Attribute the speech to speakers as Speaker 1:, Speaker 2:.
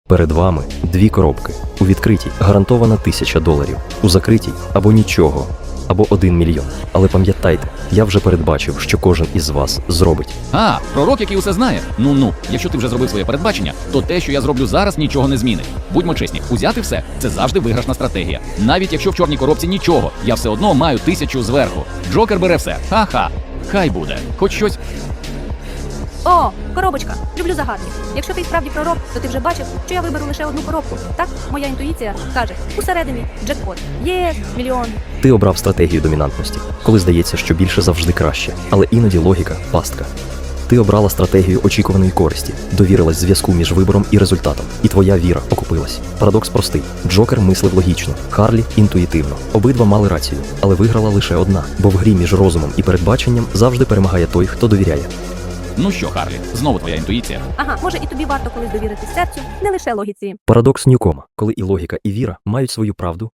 Speaker 1: Перед вами дві коробки. У відкритій гарантована $1000, у закритій або нічого, або $1 мільйон. Але пам'ятайте, я вже передбачив, що кожен із вас зробить.
Speaker 2: А, пророк, який усе знає? Ну, якщо ти вже зробив своє передбачення, то те, що я зроблю зараз, нічого не змінить. Будьмо чесні, узяти все – це завжди виграшна стратегія. Навіть якщо в чорній коробці нічого, я все одно маю 1000 зверху. Джокер бере все. Ха-ха. Хай буде. Хоч щось.
Speaker 3: О, коробочка. Люблю загадки. Якщо ти справді пророк, то ти вже бачив, що я виберу лише одну коробку. Так, моя інтуїція каже, усередині джекпот. Є мільйон.
Speaker 1: Ти обрав стратегію домінантності, коли здається, що більше завжди краще, але іноді логіка – пастка. Ти обрала стратегію очікуваної користі, довірилась зв'язку між вибором і результатом, і твоя віра окупилась. Парадокс простий. Джокер мислив логічно, Харлі – інтуїтивно. Обидва мали рацію, але виграла лише одна, бо в грі між розумом і передбаченням завжди перемагає той, хто довіряє.
Speaker 2: Ну що, Харлі, знову твоя інтуїція.
Speaker 3: Ага, може і тобі варто колись довірити серцю, не лише логіці.
Speaker 1: Парадокс Ньюкома, коли і логіка, і віра мають свою правду,